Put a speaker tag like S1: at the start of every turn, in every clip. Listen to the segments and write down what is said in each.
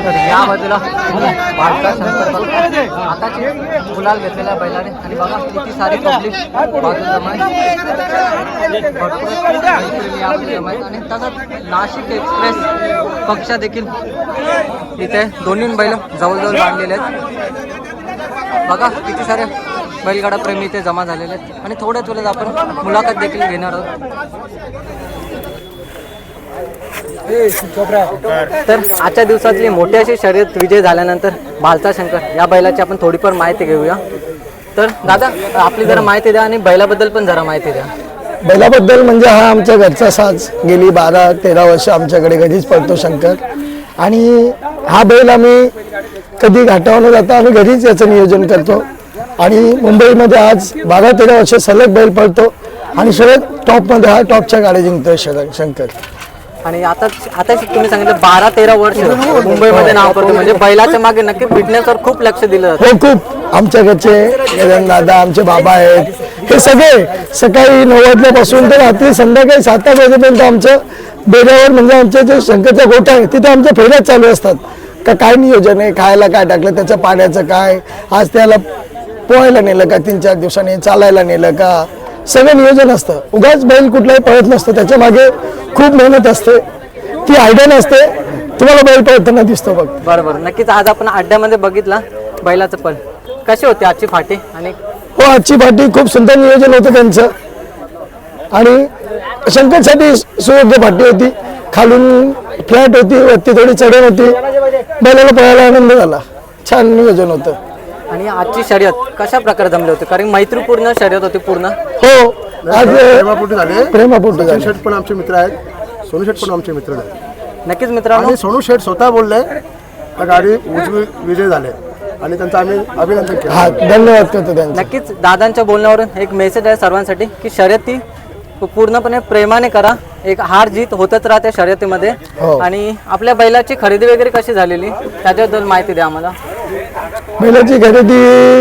S1: तर या बाजूला बालका शंकर बघा आताची गुलाल घेतलेल्या बैलाने आणि बघा किती सारी पब्लिक बाजूला आणि तसंच नाशिक एक्सप्रेस पक्ष देखील इथे दोन्ही बैल जवळजवळ बांधलेले आहेत। बघा किती सारे बैलगाडा प्रेमी इथे जमा झालेले आहेत आणि थोड्याच वेळेत आपण मुलाखत देखील घेणार आहोत। तर आजच्या दिवसातली मोठी अशी शर्यत विजय झाल्यानंतर भालचा शंकर या बैलाची आपण थोडीफार माहिती घेऊया। तर दादा आपली जरा माहिती द्या आणि बैलाबद्दल पण जरा माहिती द्या।
S2: बैलाबद्दल म्हणजे हा आमच्या घरचा साज गेली 12-13 वर्ष आमच्याकडे घरीच पडतो शंकर आणि हा बैल आम्ही कधी घाटावर न जाता आम्ही घरीच याचं नियोजन करतो आणि मुंबईमध्ये आज 12-13 वर्ष सलग बैल पडतो आणि सगळ्यात टॉपमध्ये हा टॉपच्या गाड्या जिंकतोय शंकर।
S1: आणि आता तुम्ही सांगितलं 12-13 वर्ष मुंबईमध्ये नाव करतो म्हणजे बैलाच्या मागे नक्की फिटनेसवर खूप लक्ष दिलं जातं।
S2: हो खूप आमच्या घरचे दादा आमचे बाबा आहेत हे सगळे सकाळी 9 पासून तर रात्री संध्याकाळी 7 वाजेपर्यंत आमचं बेऱ्यावर म्हणजे आमचे जे शंकरचा गोठा आहे तिथे आमच्या फेऱ्याच चालू असतात का काय नियोजन आहे खायला काय टाकलं त्याचं पाण्याचं काय आज त्याला पोहायला नेलं का 3-4 दिवसांनी चालायला नेलं का सगळं नियोजन असतं। उगाच बैल कुठलाही पळत नसतं त्याच्या मागे खूप मेहनत असते ती आयडिया नसते तुम्हाला बैल पळताना दिसतो बघ।
S1: बरोबर नक्कीच आज आपण अड्ड्यामध्ये बघितला बैलाचं पल कशी होती आजची फाटी आणि
S2: हो आजची फाटी खूप सुंदर नियोजन होतं त्यांचं आणि शंकरसाठी सुयोग्य फाटी होती खालून फ्लॅट होती वरती थोडी चढण होती बैलाला पळायला आनंद झाला छान नियोजन होतं।
S1: आणि आजची शर्यत कशा प्रकारे जमली होती कारण मैत्रीपूर्ण शर्यत होती पूर्ण।
S2: हो आज
S3: प्रेमापोटी झाले
S2: प्रेमापोटी
S3: सचिन शेठ पण आमचे मित्र आहेत सोनू शेठ पण आमचे मित्र आहेत
S1: नक्कीच मित्रांनो
S3: आणि सोनू शेठ स्वतः बोलले त्या गाडी उजवी विजय झाले आणि त्यांचं आम्ही अभिनंदन केलं।
S2: हा धन्यवाद करतो त्यांचा।
S1: नक्कीच दादांच्या बोलण्यावरून एक मेसेज आहे सर्वांसाठी की शर्यती पूर्णपणे प्रेमाने करा एक हार जीत होतच राहते शर्यतीमध्ये। आणि आपल्या बैलाची खरेदी वगैरे कशी झालेली त्याच्याबद्दल माहिती द्या आम्हाला।
S2: बैलाची खरेदी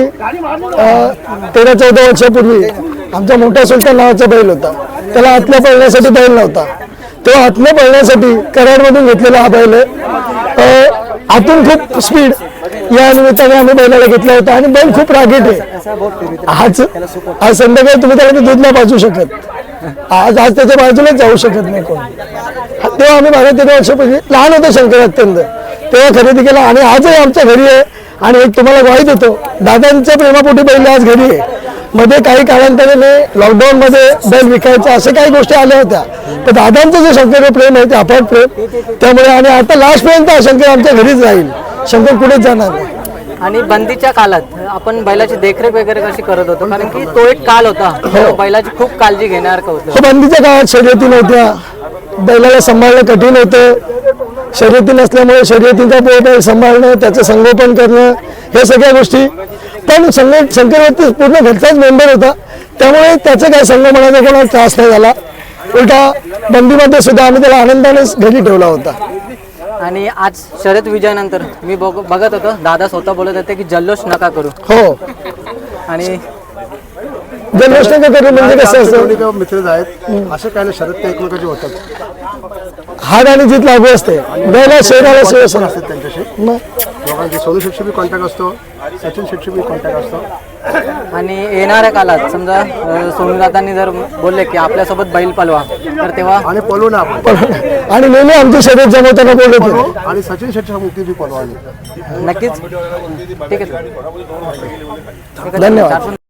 S2: 13-14 वर्षापूर्वी आमचा मोठा सुलतान नावाचा बैल होता त्याला आतल्या पळण्यासाठी बैल नव्हता तो आतल्या पळण्यासाठी कराडमधून घेतलेला हा बैल आहे आतून खूप स्पीड या निमित्ताने आम्ही बैलाला घेतला होता आणि बैल खूप रागीट आहे। आज संध्याकाळी तुम्ही त्याला दूध नाही पाजू शकत आज त्याच्या बाजूलाच जाऊ शकत नाही कोण। तेव्हा आम्ही 12-13 वर्षापूर्वी लहान होतो शंकर अत्यंत तेव्हा खरेदी केला आणि आजही आमच्या घरी आहे आणि एक तुम्हाला ग्वाही देतो दादांच्या प्रेमापोटी बैल आज घरी आहे। मध्ये काही कालांतराने लॉकडाऊन मध्ये बैल विकायचं असे काही गोष्टी आल्या होत्या तर दादांचं जे शंकर प्रेम आहे ते अफाट प्रेम त्यामुळे आणि आता लास्ट पर्यंत शंकर आमच्या घरीच राहील शंकर कुठेच जाणार नाही।
S1: आणि बंदीच्या काळात आपण बैलाची देखरेख वगैरे कशी करत होतो कारण की तो एक काल होता बैलाची खूप काळजी घेण्यासारखं होतं।
S2: बंदीच्या काळात शर्यती नव्हत्या बैलाला सांभाळणं कठीण होतं शर्यती नसल्यामुळे शर्यतीचा बैल सांभाळणं त्याचं संगोपन करणं हे सगळ्या गोष्टी पण शंकरवरती पूर्ण घरचाच मेंबर होता त्यामुळे त्याचं काय संगमनाचा कोणाला त्रास नाही झाला उलटा बंदीमध्ये सुद्धा आम्ही त्याला आनंदानेच घरी ठेवला होता।
S1: आणि आज शर्यत विजयानंतर मी बघत होतो दादा स्वतः बोलत होते की जल्लोष नका करू।
S2: हो
S1: आणि
S2: जल्लोष नका करू म्हणजे कसं असतं
S3: मित्र आहेत असं काय नाही शरद ते एकमेकांचे होतात
S2: हार आणि जीत लागू असते बैला शरीराला
S3: असतात त्यांच्याशी दोघांचे सोनू शेठशी बी कॉन्टॅक्ट असतो सचिन शेठशी बी कॉन्टॅक्ट असतो।
S1: आणि येणाऱ्या काळात समजा सोनूदादांनी जर बोलले की आपल्यासोबत बैल पलवा तर तेव्हा
S3: आणि पळू ना आपण
S2: आणि नेहमी आमची शर्यत जमवताना बोलत होते
S3: आणि सचिन शेठच्या मुक्ती बी पळू आली
S1: नक्कीच ठीक आहे
S2: धन्यवाद।